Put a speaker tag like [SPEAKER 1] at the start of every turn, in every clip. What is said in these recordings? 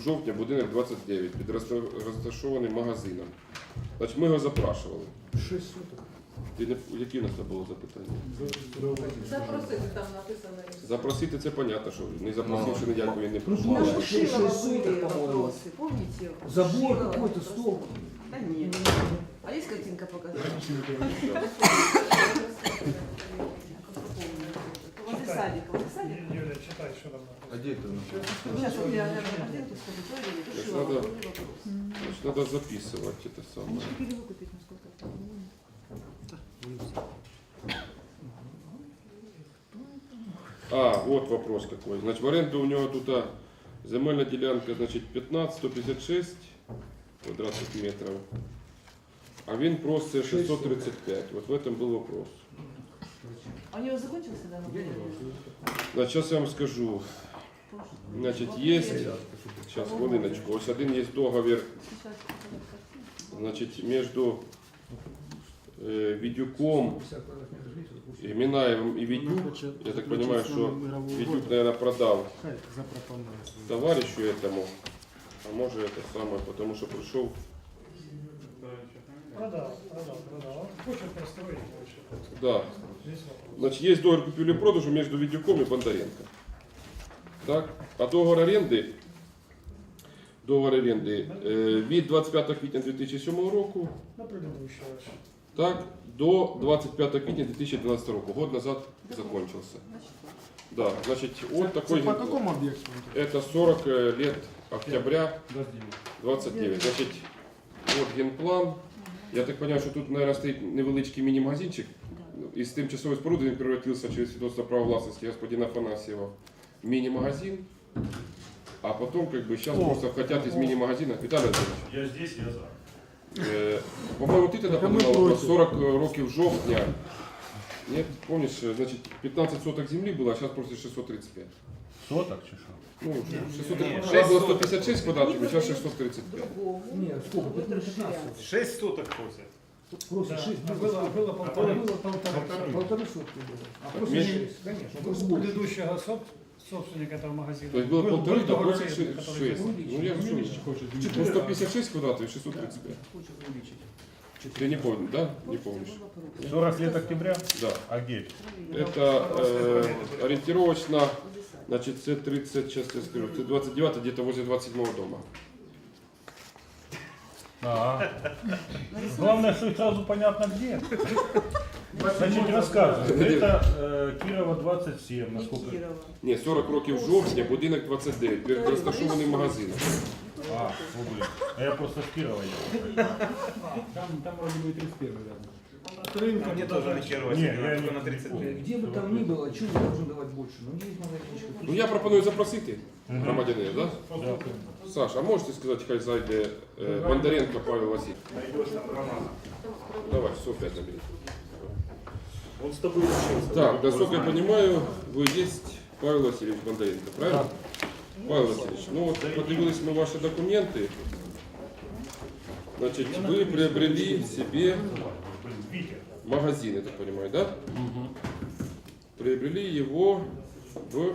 [SPEAKER 1] жовтня, будинок 29, під розташованим магазином. Значить, ми його запрашували.
[SPEAKER 2] 6 суток.
[SPEAKER 1] Які у нас було запитання?
[SPEAKER 3] Запросити там написано.
[SPEAKER 1] Запросити це понятно, що не запросивши ніякої не
[SPEAKER 2] Ну,
[SPEAKER 1] прийшло.
[SPEAKER 2] знаешь,
[SPEAKER 3] На Шишилова
[SPEAKER 2] 6 суток,
[SPEAKER 3] были
[SPEAKER 2] по-моему.
[SPEAKER 3] вопросы, помните?
[SPEAKER 2] Забор
[SPEAKER 3] Шишилова
[SPEAKER 2] какой-то,
[SPEAKER 3] вопросы.
[SPEAKER 2] стол.
[SPEAKER 3] Да нет. А есть картинка показана? Возле садика, возле садика.
[SPEAKER 4] Юля, читай, что там написано.
[SPEAKER 2] А где это?
[SPEAKER 3] Сейчас вот я картинку скажу, туалет,
[SPEAKER 1] Значит,
[SPEAKER 3] Шишилова,
[SPEAKER 1] надо-
[SPEAKER 3] были вопросы.
[SPEAKER 1] Значить, треба записувати це
[SPEAKER 3] Они
[SPEAKER 1] саме.
[SPEAKER 3] же перевыкупить, насколько я понимаю.
[SPEAKER 1] А, вот вопрос какой. Значит, в аренду у него тут земельная делянка, значит, 15-156 квадратных метров. А він просить 635. Вот в этом был вопрос.
[SPEAKER 3] А у него закончился данный период?
[SPEAKER 1] Значит, сейчас я вам скажу. Значит, есть, сейчас, хвилиночку, ось один есть договір,
[SPEAKER 3] Сейчас показать картинку.
[SPEAKER 1] значит, между Відюком, Минаевым и Відюк. Я так понимаю, что Відюк, наверное, продал товарищу этому, а может это самое, потому что пришел.
[SPEAKER 4] Продал. Хочет простроить больше.
[SPEAKER 1] Да.
[SPEAKER 4] Здесь вопрос.
[SPEAKER 1] Значит, есть договор купли-продажу между Відюком и Бондаренко. Так? А договор оренди від 25 квітня 2007 року,
[SPEAKER 4] На предыдущего.
[SPEAKER 1] так, до 25 квітня 2012 року. Год назад закончился. Да, значит, вот такой.
[SPEAKER 2] По какому объекту?
[SPEAKER 1] Это 40 лет октября 29. Значит, вот генплан. Я так понимаю, что тут, наверное, стоит невеличкий міні-магазинчик. Из тимчасовой споруды он превратился через свидетельство права властности господина Афанасьева в мини-магазин. А потом, как бы, сейчас просто хотят из мини-магазина. Виталий Анатольевич,
[SPEAKER 5] Я здесь, я за.
[SPEAKER 1] по-моему, ты тогда поднимал вопрос 40 років жовтня. Нет, помнишь, значит, 15 соток земли было, а сейчас просто 635.
[SPEAKER 5] Соток чи що?
[SPEAKER 1] Ну, 636 было 156 квадратов, сейчас 635.
[SPEAKER 3] Другому.
[SPEAKER 2] Нет, сколько?
[SPEAKER 3] Будет
[SPEAKER 2] Тут
[SPEAKER 3] расширяться.
[SPEAKER 5] 6 соток просять.
[SPEAKER 2] Просто
[SPEAKER 4] Да,
[SPEAKER 2] 6.
[SPEAKER 4] было полторы.
[SPEAKER 2] Полторы сутки было. А просто
[SPEAKER 1] меньше?
[SPEAKER 2] 6, конечно.
[SPEAKER 4] У
[SPEAKER 2] Просто больше.
[SPEAKER 4] предыдущего собственника этого магазина.
[SPEAKER 1] То есть было полторы, да,
[SPEAKER 4] договор
[SPEAKER 1] 86.
[SPEAKER 4] аренды, который
[SPEAKER 1] Ну, я же ну, 156 квадратов и 635.
[SPEAKER 2] Хочет увеличить.
[SPEAKER 1] Ты не помнишь, да? Не помнишь?
[SPEAKER 5] 40 лет октября?
[SPEAKER 1] Да.
[SPEAKER 5] А где?
[SPEAKER 1] Это ориентировочно, значит, C30, сейчас я скажу, C29, где-то возле 27 дома.
[SPEAKER 5] Ага. Главное, что сразу понятно где. Значит, рассказываю. Это Кирова 27, насколько...
[SPEAKER 3] Кирова.
[SPEAKER 1] Ні, 40 років жовтня, будинок 29, перед розташованим магазином.
[SPEAKER 5] А, о, блин. А я просто с Кирова ехал.
[SPEAKER 2] Там вроде бы 31 рядом.
[SPEAKER 4] От рынка
[SPEAKER 6] Мне тоже ориентировать
[SPEAKER 5] Не, я
[SPEAKER 6] только
[SPEAKER 5] не-
[SPEAKER 6] на 32.
[SPEAKER 2] Где бы там ни было, чего я должен давать больше? Ну, есть магазинчик.
[SPEAKER 1] Ну я пропоную запросити громадянина, да?
[SPEAKER 5] Да.
[SPEAKER 1] Саш, а можете сказати, хай зайде Бондаренко Павел Васильевич? Давай, все, опять набери.
[SPEAKER 5] Он с тобой учился.
[SPEAKER 1] Так, насколько я понимаю, вы есть Павел Васильевич Бондаренко, правильно? Павел Васильевич, ну вот подивились мы ваши документы. Значит, вы приобрели себе
[SPEAKER 5] Витя.
[SPEAKER 1] магазин, я так понимаю, да? Приобрели его в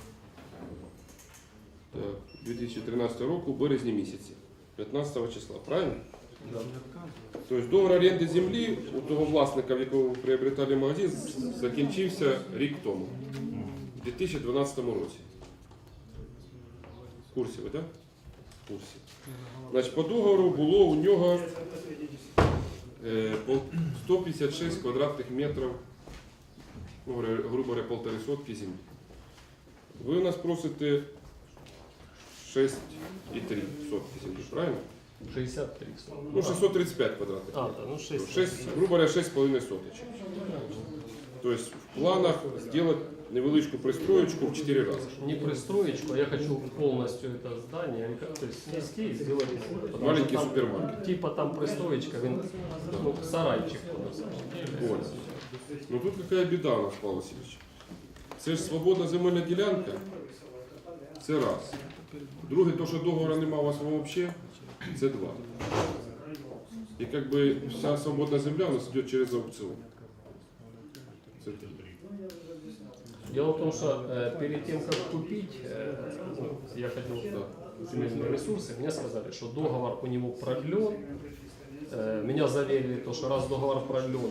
[SPEAKER 1] 2013 року, в березні місяці, 15 числа, правильно? Тобто договор оренди землі у того власника, в якого ви приобретали магазин, закінчився рік тому, в 2012 році. В курсі ви, так? В курсі. Значить, по договору було у нього 156 квадратних метрів, ну, грубо говоря, полтори сотки землі. Ви у нас просите 6,3 сотки землі, правильно?
[SPEAKER 7] 63.
[SPEAKER 1] Ну, 635 квадратных.
[SPEAKER 7] А, да, ну 6.
[SPEAKER 1] 6, грубо говоря, 6,5 соточек. То есть в планах сделать невеличку пристроечку в 4 раза.
[SPEAKER 7] Не пристроечку, а я хочу полностью это здание, то есть снести и сделать потому
[SPEAKER 1] Маленький
[SPEAKER 7] что там,
[SPEAKER 1] супермаркет.
[SPEAKER 7] Типа там пристроечка, ну, сарайчик.
[SPEAKER 1] Понял. Ну тут какая беда у нас, Павел Васильевич. Це ж свободна земельна ділянка. Це раз. Друге, то, що договору немає у вас взагалі, це два. І как бы вся свободна земля у нас йде через аукціон. Це три.
[SPEAKER 7] Дело в том, что перед тем, как купить, я ходил в земельные ресурсы, мне сказали, что договор у него продлен. Меня заверили, то, что раз договор продлен,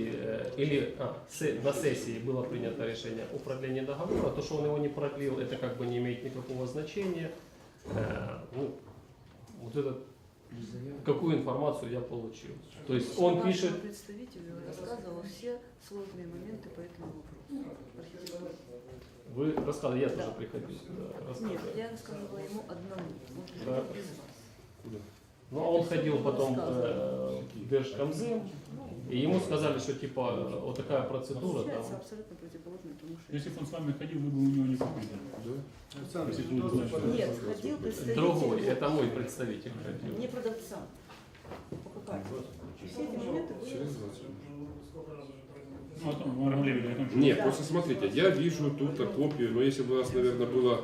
[SPEAKER 7] на сессии было принято решение о продлении договора, то, что он его не продлил, это как бы не имеет никакого значения. Ну, вот это, какую информацию я получил. То есть он пишет...
[SPEAKER 3] Представитель рассказывал все сложные моменты по этому вопросу. Архитектура.
[SPEAKER 7] Вы рассказывали, я тоже приходил.
[SPEAKER 3] Нет,
[SPEAKER 7] рассказывали.
[SPEAKER 3] я рассказывала ему одному. Он
[SPEAKER 7] Да.
[SPEAKER 3] приходил без вас.
[SPEAKER 7] Ну, а он ходил потом в Держкомзем, и ему сказали, что типа вот такая процедура там.
[SPEAKER 3] Получается абсолютно противоположно тому, что...
[SPEAKER 5] Если бы он с вами ходил, вы бы у него не купили. Если бы он знал,
[SPEAKER 3] Нет, ходил представитель...
[SPEAKER 7] Другой, это мой представитель ходил.
[SPEAKER 3] Не продавца, покупатель. Все эти моменты были...
[SPEAKER 1] Через 20.
[SPEAKER 5] Ну, о том, о Рамлеве, о том, что...
[SPEAKER 1] Нет, просто смотрите, я вижу тут копию, но если бы у нас, наверное, было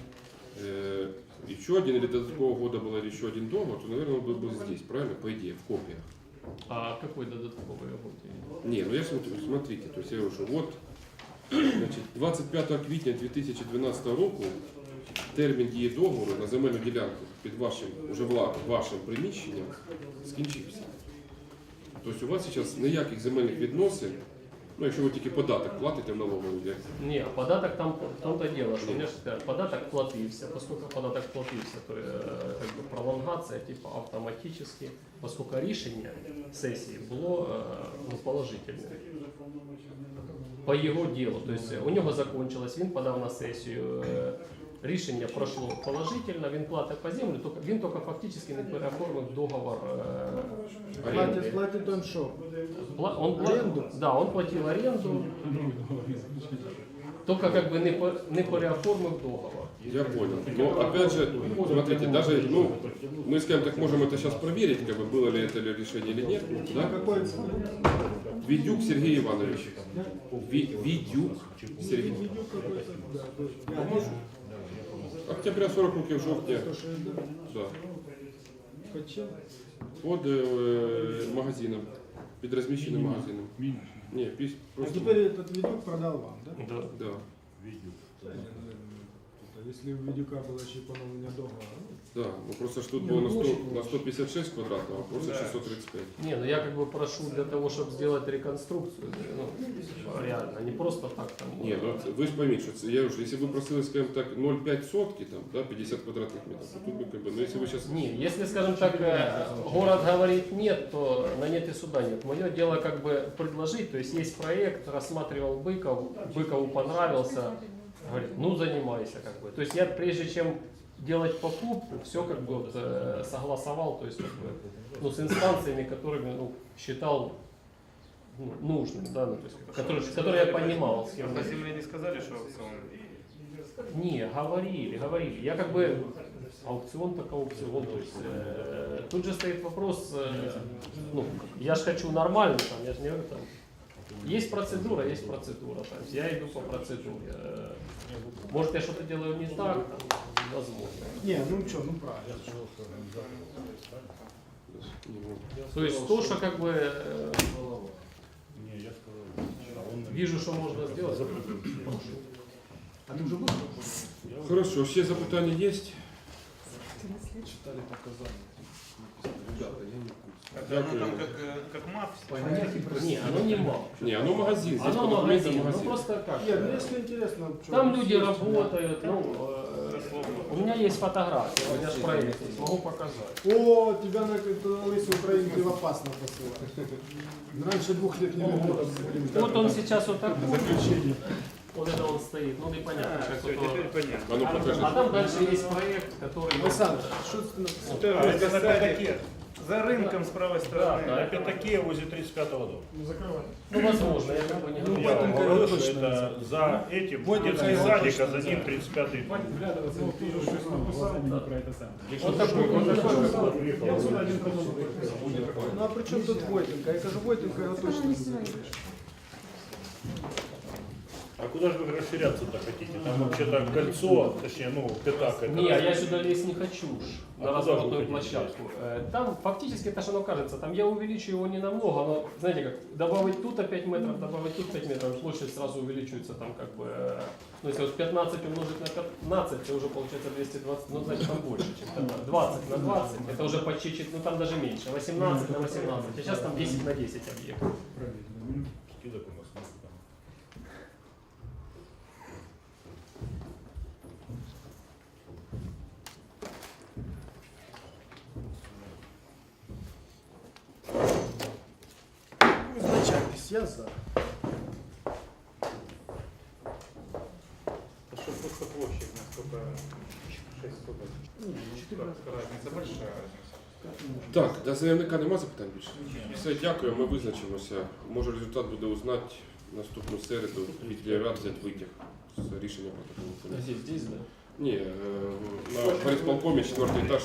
[SPEAKER 1] еще один или до такого года был еще один договор, то, наверное, он был здесь, правильно? По идее, в копиях.
[SPEAKER 7] А какой додатковый работы?
[SPEAKER 1] Не, ну я смотрю, смотрите, то есть я говорю, що от, значить, 25 квітня 2012 року термін дії договору на земельну ділянку під вашим, уже вашим приміщенням скінчився. Тобто у вас зараз ніяких земельних відносин, ну якщо ви тільки податок платите в налогову, як
[SPEAKER 7] Не, податок там в том-то дело, что у меня же податок платился, поскольку податок платился, то как бы пролонгация типа автоматически, поскольку решение сессии было ну, положительное по его делу. То есть у него закончилось, він подав на сессию, рішення пройшло положительно, він платить по землю, він тільки фактично не переоформив договор оренди.
[SPEAKER 4] Платит он что?
[SPEAKER 7] Да, он платил аренду, только как бы не переоформив договор.
[SPEAKER 1] я понял. Но опять же, смотрите, даже, ну, мы, скажем так, можем это сейчас проверить, как бы было ли это решение или нет. Да? Видюк Сергей Иванович. Видюк Сергей. Октября 40 років жовтня. Да. Под магазином. Під розміщеним магазином. Ні,
[SPEAKER 4] А
[SPEAKER 1] просто.
[SPEAKER 4] теперь этот видюк продал вам, да?
[SPEAKER 7] Да.
[SPEAKER 1] Да.
[SPEAKER 4] Если у видюка было еще поновление договора.
[SPEAKER 1] Да, ну просто ж тут было на 156 квадратов, а просто 635.
[SPEAKER 7] Не, ну я как бы прошу для того, чтобы сделать реконструкцию, ну, реально, не просто так там.
[SPEAKER 1] Ні, ну ви ж пойміть, що це, я вже, якщо ви просили, скажімо так, 0,5 сотки, там, да, 50 квадратних метрів, то тут би, как бы, ну якщо ви зараз...
[SPEAKER 7] Не, если, скажем так, город говорит нет, то на нет и суда нет. Мое дело как бы предложить, то есть есть проект, рассматривал Быкову понравился, говорит, ну занимайся как бы. То есть я прежде чем делать покупку, все как бы вот, согласовал, то есть как бы, ну, с инстанциями, которыми ну, считал ну, нужным, да, ну, то есть, которые я понимал. С кем
[SPEAKER 6] На земле не сказали, что аукцион?
[SPEAKER 7] Не, говорили. Я как бы аукцион так аукцион. То есть, тут же стоит вопрос, ну, я же хочу нормально, там, я же не говорю, там, есть процедура. То есть я иду по процедуре. Может, я что-то делаю не так, там, возможно.
[SPEAKER 4] Не, ну что, ну правильно.
[SPEAKER 7] То есть то, что как бы
[SPEAKER 5] Не, я сказал, он
[SPEAKER 7] вижу, что можно сделать.
[SPEAKER 4] А ты уже был?
[SPEAKER 1] Хорошо, ще запитання є?
[SPEAKER 4] Читали показания.
[SPEAKER 6] Это оно там как МАФ?
[SPEAKER 7] Не, оно не мало.
[SPEAKER 1] Ні, оно магазин, здесь
[SPEAKER 7] Оно
[SPEAKER 1] по документам
[SPEAKER 7] магазин, ну
[SPEAKER 1] магазин.
[SPEAKER 7] просто как.
[SPEAKER 4] Нет, ну если интересно, что
[SPEAKER 7] Там люди работают, ну, у меня есть фотографии, у меня же проект есть, могу показать.
[SPEAKER 4] О, тебя на лысый украинки в опасно посылать. Раньше 2 лет не было.
[SPEAKER 7] Вот он сейчас вот такой. Вот это он стоит, ну непонятно, как
[SPEAKER 6] Все,
[SPEAKER 7] вот
[SPEAKER 6] теперь понятно.
[SPEAKER 1] А ну покажи.
[SPEAKER 7] А там дальше есть проект, который...
[SPEAKER 4] Александр, что ты написал?
[SPEAKER 6] Это на пятаке. За рынком с правой стороны.
[SPEAKER 7] Да,
[SPEAKER 5] на пятаке возле 35-го дома.
[SPEAKER 4] Ну закрывай.
[SPEAKER 7] Ну, возможно, я как бы не говорю.
[SPEAKER 5] Я вам
[SPEAKER 4] Войтенко
[SPEAKER 5] говорю, что
[SPEAKER 4] точно
[SPEAKER 5] это за этим
[SPEAKER 4] Войтенко
[SPEAKER 5] детский
[SPEAKER 4] его
[SPEAKER 5] садик,
[SPEAKER 4] точно
[SPEAKER 5] а за ним 35-й дом.
[SPEAKER 7] Вот такой, вот такой.
[SPEAKER 4] Ну а при чем тут Войтенко? Я скажу, Войтенко его точно не знаю.
[SPEAKER 5] А куда же вы расширяться-то хотите? Там вообще-то кольцо, точнее, ну, пятак. Это
[SPEAKER 7] Не, я сюда лезть не хочу уж,
[SPEAKER 5] А
[SPEAKER 7] на
[SPEAKER 5] куда
[SPEAKER 7] разворотную
[SPEAKER 5] вы хотите
[SPEAKER 7] площадку. Там фактически это что оно кажется, там я увеличу его не намного, но знаете как, добавить тут 5 метров, добавить тут 5 метров, площадь сразу увеличивается там как бы Ну, если вот 15 умножить на 15, это уже получается 220, ну, значит, там больше, чем 15. 20 на 20, это уже почти, ну, там даже меньше. 18 на 18, а сейчас там 10 на 10 объектов.
[SPEAKER 5] Скидок у нас нет там.
[SPEAKER 4] Изначальность, я за.
[SPEAKER 6] Это что просто площадь, насколько 6 соток. Разница большая разница.
[SPEAKER 1] Так, до заявника нема запитань більше? Все, дякую, ми визначимося. Може результат буде узнати наступну середу, від рад взяти витяг з рішення протоколу.
[SPEAKER 7] Здесь, да?
[SPEAKER 1] Ні, на горисполкомі 4 етаж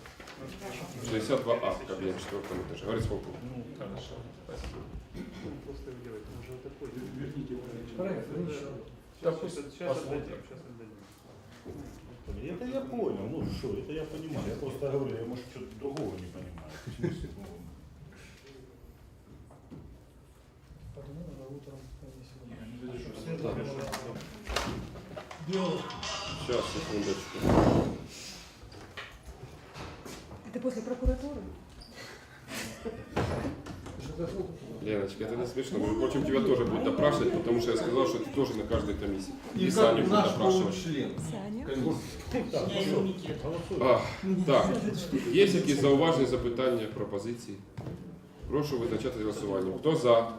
[SPEAKER 1] 62А, кабінет 4 етажі. Горисполком.
[SPEAKER 7] Ну, хорошо. Спасибо.
[SPEAKER 6] Просто делать, уже вот такой.
[SPEAKER 4] Проект,
[SPEAKER 7] Да, пусть
[SPEAKER 6] Сейчас
[SPEAKER 7] посмотрим.
[SPEAKER 6] отдадим, сейчас отдадим.
[SPEAKER 5] Это я понял, ну что, это я понимаю. Я просто говорю, я может что-то другого не понимаю. В смысле, ну,
[SPEAKER 1] Сейчас, секундочку.
[SPEAKER 3] Это после прокуратуры?
[SPEAKER 1] Леночка, это не смешно. Мы хочем тебя тоже будет допрашивать, потому что я сказал, что ты тоже на каждой комиссии. И Саню будет допрашивать.
[SPEAKER 3] Саня.
[SPEAKER 1] Так, є якісь зауваження, запитання, пропозиції? Прошу визначати голосування. Хто за?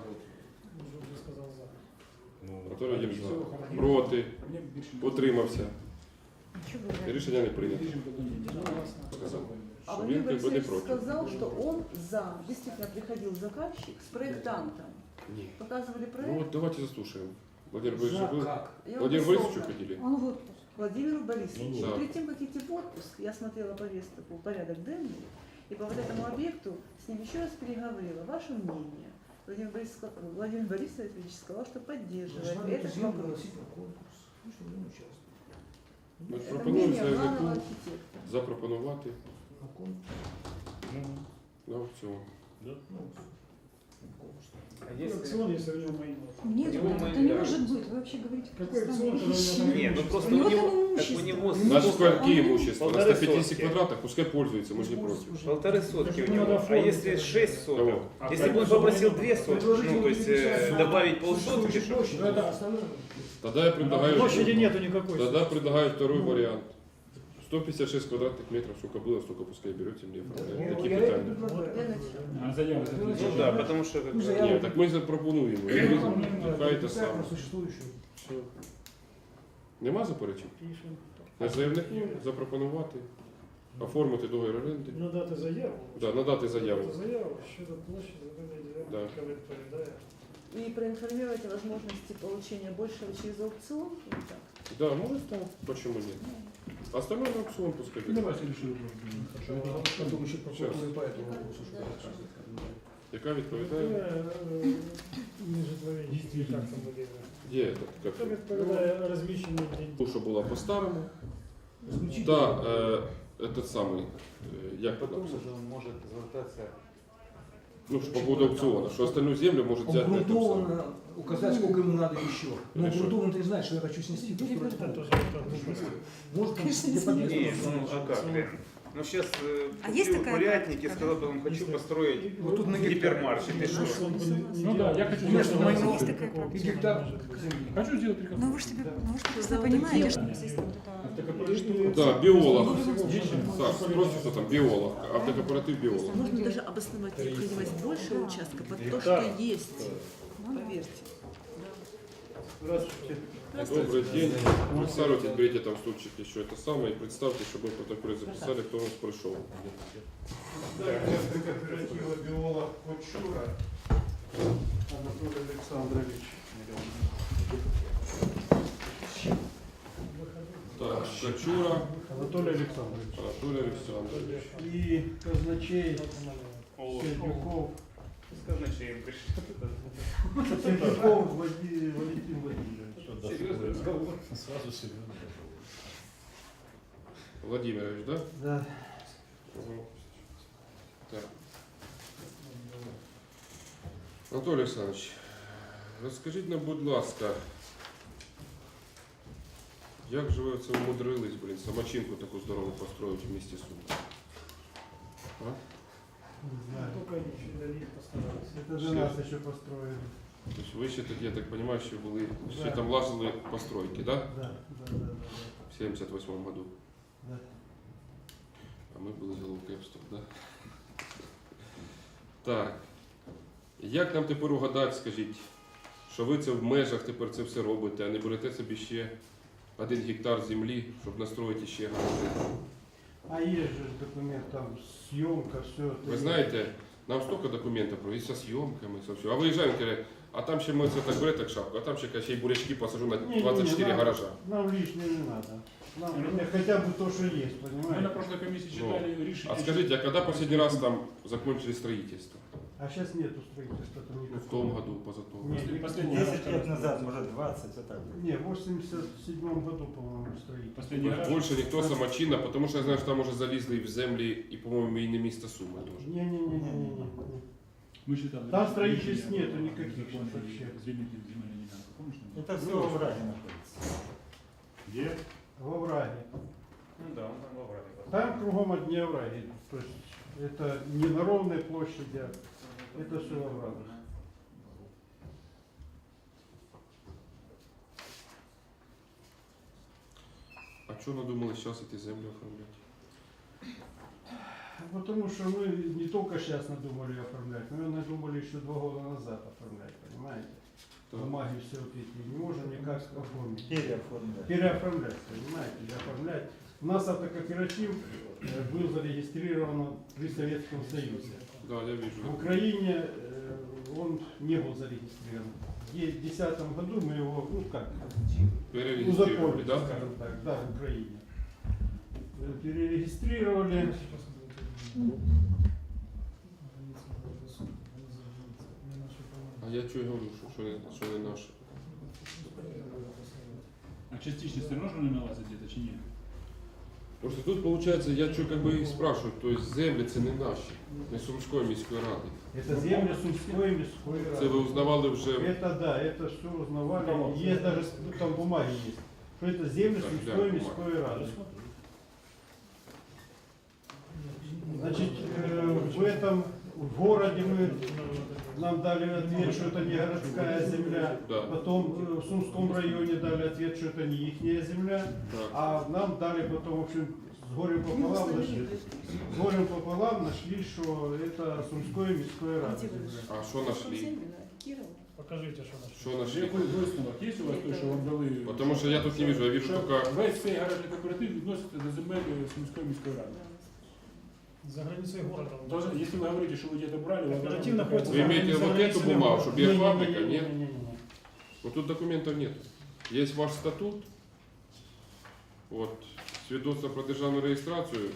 [SPEAKER 5] ну,
[SPEAKER 1] Анатолій Володимирович за. Проти? Утримався? Рішення не прийнято. Сказав.
[SPEAKER 3] А
[SPEAKER 1] Що
[SPEAKER 3] Владимир
[SPEAKER 1] він якби не
[SPEAKER 3] Борисович
[SPEAKER 1] проти.
[SPEAKER 3] сказал, что он за. Действительно приходил заказчик с проектантом.
[SPEAKER 1] Ні.
[SPEAKER 3] Показывали
[SPEAKER 1] Ну
[SPEAKER 3] проект.
[SPEAKER 1] вот давайте заслушаем. Владимир Борисович, вы...
[SPEAKER 4] Как?
[SPEAKER 3] Я
[SPEAKER 1] Владимир
[SPEAKER 3] вот
[SPEAKER 1] Борисович
[SPEAKER 3] условно.
[SPEAKER 1] хотели?
[SPEAKER 3] Он в отпуск. Владимир Борисович,
[SPEAKER 1] Ну, да.
[SPEAKER 3] перед тем, как идти в отпуск, я смотрела повестку, порядок денный, и по вот этому объекту с ним еще раз переговорила. Ваше мнение? Владимир Борисович сказал, что поддерживает этот вопрос.
[SPEAKER 1] Ми ж
[SPEAKER 3] Это
[SPEAKER 1] пропонуємо
[SPEAKER 3] мнение главного
[SPEAKER 1] заявнику
[SPEAKER 3] архитектора.
[SPEAKER 1] запропонувати
[SPEAKER 5] ну,
[SPEAKER 1] на аукціон.
[SPEAKER 5] да.
[SPEAKER 6] А если...
[SPEAKER 4] Аукцион, если у него мои
[SPEAKER 8] Нет,
[SPEAKER 6] Его
[SPEAKER 8] это
[SPEAKER 6] мы
[SPEAKER 8] не
[SPEAKER 6] играем.
[SPEAKER 8] может быть. Вы вообще говорите
[SPEAKER 4] Какой
[SPEAKER 8] странные
[SPEAKER 4] аукцион,
[SPEAKER 8] вещи.
[SPEAKER 4] когда у него
[SPEAKER 6] Нет, ну просто
[SPEAKER 8] У него
[SPEAKER 6] у него,
[SPEAKER 8] там
[SPEAKER 6] так у
[SPEAKER 8] имущество.
[SPEAKER 6] него
[SPEAKER 1] Наши сколько
[SPEAKER 8] он-
[SPEAKER 1] имущества? На
[SPEAKER 6] Полторы
[SPEAKER 1] 150
[SPEAKER 6] сотки.
[SPEAKER 1] квадратах, пускай пользуется, мы же не против.
[SPEAKER 6] 1,5 сотки у
[SPEAKER 4] Так ему
[SPEAKER 6] него.
[SPEAKER 4] надо
[SPEAKER 6] А
[SPEAKER 4] оформить
[SPEAKER 6] если
[SPEAKER 4] это.
[SPEAKER 6] 6 соток?
[SPEAKER 1] Кого?
[SPEAKER 6] Если бы он попросил 2 сотки, ну то есть добавить полсотки, что?
[SPEAKER 4] Ну, это остальное.
[SPEAKER 1] Тогда я предлагаю...
[SPEAKER 4] Площади нету никакой.
[SPEAKER 1] Тогда предлагаю второй вариант. 156 квадратных метров, сколько было, столько пускай берете мне. Такі питання.
[SPEAKER 6] Ну да, потому что как бы...
[SPEAKER 1] Ні, так ми запропонуємо. Хай те саме. Все. Нема заперечень? На заявнику запропонувати, оформити договір оренди.
[SPEAKER 4] Надати заяву.
[SPEAKER 1] Да, надати заяву.
[SPEAKER 4] Надати заяву щодо площі земельної
[SPEAKER 1] Да.
[SPEAKER 4] ділянки, яка відповідає.
[SPEAKER 3] И проинформировать о возможности получения большего через аукцион. Или так?
[SPEAKER 1] Да, может так. Почему нет? Остальное на аукцион пускай.
[SPEAKER 4] Давайте решим. Я думаю, что прокуратура по этому вопросу
[SPEAKER 1] Яка відповідає?
[SPEAKER 4] Не житлові дії, як там буде.
[SPEAKER 1] Є так,
[SPEAKER 4] Це
[SPEAKER 1] як
[SPEAKER 4] відповідає розміщенню деньги.
[SPEAKER 1] ту, що була по-старому. Та этот самий, як
[SPEAKER 9] Потом
[SPEAKER 1] написано?
[SPEAKER 9] уже он может звертаться.
[SPEAKER 1] Ну, по поводу аукциона, что остальную землю может взять на этом самом.
[SPEAKER 2] Обґрунтованно указать, сколько ему надо еще. Но
[SPEAKER 1] Хорошо.
[SPEAKER 2] обґрунтованно ты не знаешь, что я хочу снести. то
[SPEAKER 4] Это
[SPEAKER 2] сколько.
[SPEAKER 4] тоже так,
[SPEAKER 2] Может, там
[SPEAKER 8] Конечно,
[SPEAKER 2] где подъезд.
[SPEAKER 6] Не, ну а как, блин? Ну сейчас
[SPEAKER 8] А есть такая
[SPEAKER 6] курятники,
[SPEAKER 8] практика?
[SPEAKER 6] сказал бы, он хочу построить
[SPEAKER 2] Вот тут на гектар.
[SPEAKER 6] гипермаркет. И что?
[SPEAKER 4] Ну да, я хочу
[SPEAKER 2] У меня что, майно,
[SPEAKER 8] Есть такая практика.
[SPEAKER 2] и гектар земли.
[SPEAKER 4] Хочу сделать приказ.
[SPEAKER 8] Ну вы же себе, ну вы же прекрасно понимаете, что если вот это...
[SPEAKER 1] Да, биолог. Так, спросите, кто там, биолог. Автокооператив биолог.
[SPEAKER 3] Можно даже обосновать необходимость большего участка под то,
[SPEAKER 5] Гектар.
[SPEAKER 3] что есть. Поверьте.
[SPEAKER 4] Здравствуйте.
[SPEAKER 1] Добрый день. Представьте, берите там стульчик еще это самое и представьте, чтобы мы в протоколе записали, кто у нас пришел.
[SPEAKER 4] Кооператива биолог Кочура Анатолий Александрович.
[SPEAKER 1] Так, Кочура
[SPEAKER 4] Анатолий Александрович.
[SPEAKER 1] Анатолий Александрович.
[SPEAKER 4] И казначей Сердюков.
[SPEAKER 6] Казначеем пришел.
[SPEAKER 4] Сердюков Валентин Владимирович.
[SPEAKER 5] Что, да, сразу серьезно.
[SPEAKER 1] Владимирович, да?
[SPEAKER 4] Да.
[SPEAKER 1] Угу. Так. Анатолій Олександрович, розкажіть нам, будь ласка, Як же ви це умудрились, блін, самочинку таку здорову построїти в місті Суми? А?
[SPEAKER 4] Не знаю.
[SPEAKER 6] Только они фидолит постарались.
[SPEAKER 4] Это же нас еще построили.
[SPEAKER 1] Тобто ви ще тоді, я так розумію, що були, ще
[SPEAKER 4] Да.
[SPEAKER 1] там лазили постройки, да?
[SPEAKER 4] Да, да, да,
[SPEAKER 1] В 78-му году.
[SPEAKER 4] да.
[SPEAKER 1] А ми були з Головкепством, да? Так. Як нам тепер угадати, скажіть, що ви це в межах тепер це все робите, а не берете собі ще 1 гектар землі, щоб настроїти ще гаражі?
[SPEAKER 4] А есть же документ, там съемка, все.
[SPEAKER 1] Ви знаєте, нам столько документів про і со зйомками, со все. А виїжджаємо, каже, а там ще ми це так бере так шапку, а там ще каже, ще й бурячки посажу на
[SPEAKER 4] Не,
[SPEAKER 1] 24
[SPEAKER 4] нам-
[SPEAKER 1] гаража.
[SPEAKER 4] Нам лишнее не надо. Нам хотя бы то, что есть,
[SPEAKER 5] Мы на
[SPEAKER 4] понимаете?
[SPEAKER 5] прошлой комиссии читали решение.
[SPEAKER 1] А скажите, а когда последний раз там закончили строительство?
[SPEAKER 4] А сейчас нету строительства. Там
[SPEAKER 1] Ну, в
[SPEAKER 4] никакого.
[SPEAKER 1] том году, позатом.
[SPEAKER 4] Не,
[SPEAKER 5] Последний
[SPEAKER 9] 10
[SPEAKER 5] раз,
[SPEAKER 9] лет назад, может 20, вот так.
[SPEAKER 4] Не, в 87 году, по-моему, строительство.
[SPEAKER 5] Последний раз.
[SPEAKER 1] Больше ніхто самочинно, тому що я знаю, що там уже залізли і в землі, і, по-моєму, і не місто Суми теж.
[SPEAKER 4] Не-не-не-не-не.
[SPEAKER 5] Мы считали.
[SPEAKER 4] Там строительств нету никаких вообще.
[SPEAKER 5] Звільнити земельну ділянку, помнишь?
[SPEAKER 9] Это все в враге находится.
[SPEAKER 5] Где?
[SPEAKER 4] Во враге.
[SPEAKER 6] Ну да, он там вовремя.
[SPEAKER 4] Там кругом одни овраги. То есть это не на ровной площади, а это все во врагах.
[SPEAKER 1] А чого надумали зараз ці землі оформляти?
[SPEAKER 4] Потому что мы не только сейчас надумали оформлять, мы надумали еще 2 года назад оформлять, понимаете?
[SPEAKER 1] Так.
[SPEAKER 4] Бумаги все вот эти не можем никак оформить.
[SPEAKER 9] Переоформлять.
[SPEAKER 4] Переоформлять, понимаете, оформлять. У нас автокооператив был зарегистрирован при Советском Союзе.
[SPEAKER 1] Да, я вижу.
[SPEAKER 4] В Украине он не был зарегистрирован. В 2010 году мы его, ну как,
[SPEAKER 1] Перерегистрировали,
[SPEAKER 4] узаконили,
[SPEAKER 1] да?
[SPEAKER 4] скажем так, да, в Украине. Перерегистрировали.
[SPEAKER 1] А я чого говорю, що не наше?
[SPEAKER 5] А частично все равно же не налазить где-то, чи ні?
[SPEAKER 1] Просто тут, виходить, я що как бы і спрашиваю, то есть землі це не наші, не Сумської міської ради.
[SPEAKER 4] Это земли Сумской міської
[SPEAKER 1] Це ви
[SPEAKER 4] ради.
[SPEAKER 1] узнавали вже,
[SPEAKER 4] Это да, это все узнавали. Есть даже, ну, там бумаги есть, что это земли
[SPEAKER 1] Так,
[SPEAKER 4] Сумской
[SPEAKER 1] бумаги.
[SPEAKER 4] міської ради. Значит, в этом в городе нам дали ответ, что это не городская земля.
[SPEAKER 1] да,
[SPEAKER 4] Потом в Сумском районе дали ответ, что это не их земля.
[SPEAKER 1] так.
[SPEAKER 4] А нам дали потом, в общем, с горем пополам нашли, что это Сумской міської ради земля.
[SPEAKER 1] А що знайшли?
[SPEAKER 6] Покажите, что наш.
[SPEAKER 1] Що знайшли?
[SPEAKER 5] Який висновок є у вас той, що вам дали?
[SPEAKER 1] Потому що я тут не вижу, я вижу
[SPEAKER 5] Що
[SPEAKER 1] тільки...
[SPEAKER 5] весь цей гаражний кооператив відноситься до земель Сумської міської ради.
[SPEAKER 6] За границей города.
[SPEAKER 5] Даже если вы говорите, что вы где-то брали, вы
[SPEAKER 6] Кооператив находится
[SPEAKER 1] Вы имеете вот эту бумагу, что биофабрика, нет?
[SPEAKER 4] Не-не-не-не-не-не.
[SPEAKER 1] Вот тут документов нет. Есть ваш статут, вот, свідоцтво про державну реєстрацію,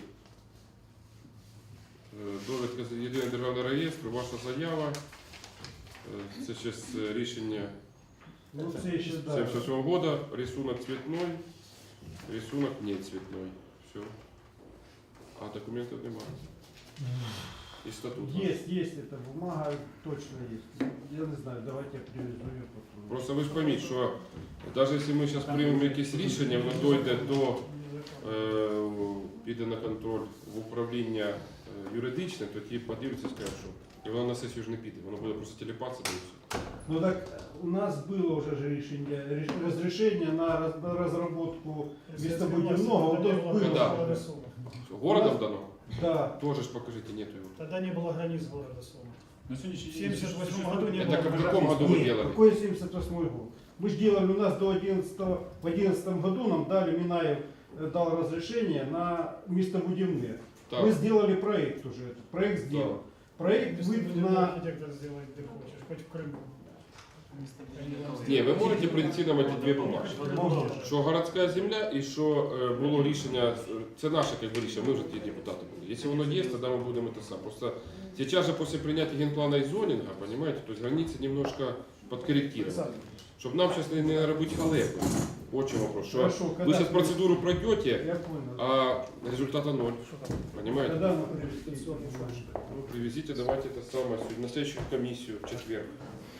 [SPEAKER 1] довідка з єдиного державного реєстру, ваша заява, це ще з рішення
[SPEAKER 4] Ну, це ще, да.
[SPEAKER 1] 77 года, рисунок цветной, рисунок не цветной. Все. А документов немає. І статут.
[SPEAKER 4] Есть эта бумага, точно есть. Я не знаю, давайте я привезу ее потом.
[SPEAKER 1] Просто ви ж пойміть, що навіть якщо ми зараз приймемо якесь рішення, воно дойде до, піде на контроль в управління юридичне, то ті подивляться і скажуть, що і воно на сесію ж не піде, воно буде просто телепатися і все.
[SPEAKER 4] Ну так у нас было уже же разрешение на разработку местобудивного. Вот это было.
[SPEAKER 1] Да. Городом дано?
[SPEAKER 4] Да.
[SPEAKER 1] Тоже ж покажите, нету его.
[SPEAKER 6] Тогда не было границ города Сума.
[SPEAKER 5] На сегодняшний
[SPEAKER 6] В 78 году не
[SPEAKER 1] Это
[SPEAKER 6] было.
[SPEAKER 1] как в каком году вы
[SPEAKER 4] Нет,
[SPEAKER 1] делали?
[SPEAKER 4] какой 78 год? Мы же делали у нас до 11 в 11 году нам дали, Минаев дал разрешение на местобудивные.
[SPEAKER 1] Так.
[SPEAKER 4] Мы сделали проект уже, этот проект сделан. Проект выйдет на...
[SPEAKER 6] Архитектор сделает, где хочешь, хоть в Крыму.
[SPEAKER 1] Ні, ви можете прийти нам ці дві бумаги.
[SPEAKER 4] Можно.
[SPEAKER 1] Що городська земля і що було рішення, це наше як би, рішення, ми вже ті депутати були. Якщо воно є, тоді ми будемо те саме. Просто сейчас же после принятия генплана и зонинга, понимаете, то есть границы немножко подкорректированы. Чтобы нам сейчас не наробить халепы. Очень вопрос. Что
[SPEAKER 4] Хорошо,
[SPEAKER 1] вы
[SPEAKER 4] когда
[SPEAKER 1] сейчас процедуру пройдете,
[SPEAKER 4] Я понял.
[SPEAKER 1] а результата ноль. Понимаете?
[SPEAKER 4] Когда мы привезли?
[SPEAKER 1] Ну, привезите, давайте это самое, на следующую комиссию в четверг.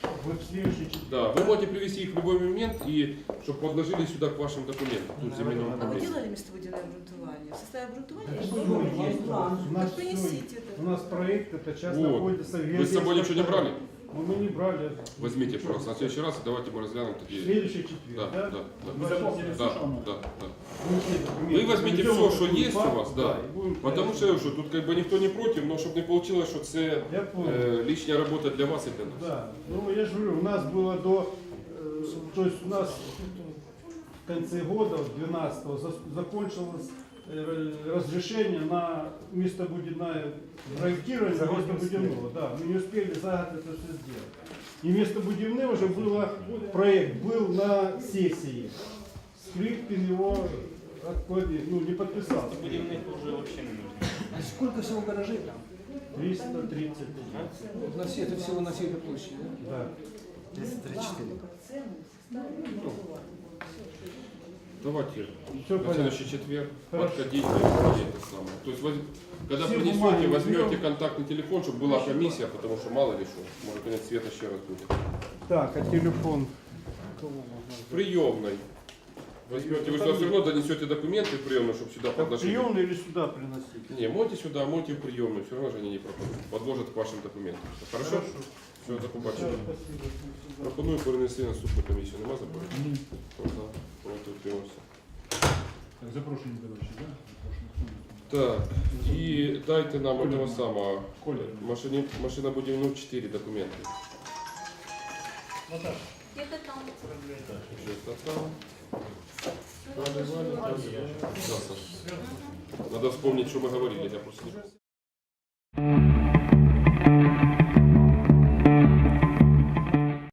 [SPEAKER 4] Вот в следующий четверг.
[SPEAKER 1] Да, вы можете привести их в любой момент и чтобы подложили сюда к вашим документам, тут земельного
[SPEAKER 3] А вы
[SPEAKER 1] управления.
[SPEAKER 3] делали местобудельное обрунтование? В составе обрунтования
[SPEAKER 4] Так
[SPEAKER 3] есть
[SPEAKER 4] что вы есть?
[SPEAKER 3] план.
[SPEAKER 4] У нас
[SPEAKER 3] Так принесите это.
[SPEAKER 4] У нас проект, это сейчас
[SPEAKER 1] Вот.
[SPEAKER 4] находится в
[SPEAKER 1] Вы с собой ничего не брали?
[SPEAKER 4] Ну, мы не брали.
[SPEAKER 1] Возьмите, пожалуйста, на следующий раз давайте мы разглянем
[SPEAKER 4] В
[SPEAKER 1] такие.
[SPEAKER 4] следующий
[SPEAKER 1] Да,
[SPEAKER 4] четверг,
[SPEAKER 1] да,
[SPEAKER 4] да?
[SPEAKER 1] да.
[SPEAKER 5] Вы запомнили
[SPEAKER 1] Да,
[SPEAKER 5] все, что оно?
[SPEAKER 1] да, да.
[SPEAKER 4] Вы
[SPEAKER 1] Вы возьмите все, что есть у вас, да. Потому що тут как бы ніхто не проти, но щоб не вийшло, що це
[SPEAKER 4] Я понял.
[SPEAKER 1] лишня робота для вас і для нас.
[SPEAKER 4] Да, ну я же говорю, у нас было до, то есть у нас в конце года, 12-го, закончилось разрешение на местобудивное проектирование местобудивного. Да, мы не успели за год это все сделать. И местобудивное уже было, проект был на сессии. Скрипкин его ну, не подписал.
[SPEAKER 6] Будівних уже вообще не нужно.
[SPEAKER 2] А сколько всего гаражей там?
[SPEAKER 4] 330.
[SPEAKER 2] На все, это всего на всей этой площади, да?
[SPEAKER 4] Да.
[SPEAKER 9] 234.
[SPEAKER 1] Давайте
[SPEAKER 4] Все
[SPEAKER 1] на
[SPEAKER 4] понятно.
[SPEAKER 1] следующий четверг
[SPEAKER 4] Хорошо.
[SPEAKER 1] подходите и это самое. То есть когда
[SPEAKER 4] Все
[SPEAKER 1] принесете,
[SPEAKER 4] бумаги
[SPEAKER 1] возьмете
[SPEAKER 4] берем.
[SPEAKER 1] контактный телефон, чтобы была комиссия, потому что мало ли что, может конец света еще раз будет.
[SPEAKER 4] Так, а телефон?
[SPEAKER 1] В приемной. Возьмете, вы сюда все равно донесете документы в приемную, чтобы сюда
[SPEAKER 4] Так,
[SPEAKER 1] подложили.
[SPEAKER 4] приемный или сюда приносить?
[SPEAKER 1] Не, мойте сюда, мойте в приемную, все равно же они не пропадут. Подложат к вашим документам. Хорошо? Все, до побачення. Пропоную перенести наступну комісію. Нема заперечень? За, проти, утримався.
[SPEAKER 5] Так, запрошені, короче, да?
[SPEAKER 1] Так, і дайте нам
[SPEAKER 5] Коля.
[SPEAKER 1] этого самого.
[SPEAKER 5] Коля.
[SPEAKER 1] Машинобудівну 4 документи.
[SPEAKER 8] Где-то там.
[SPEAKER 1] Где-то там. Да, Саша. Надо вспомнить, что мы говорили. Я просто не...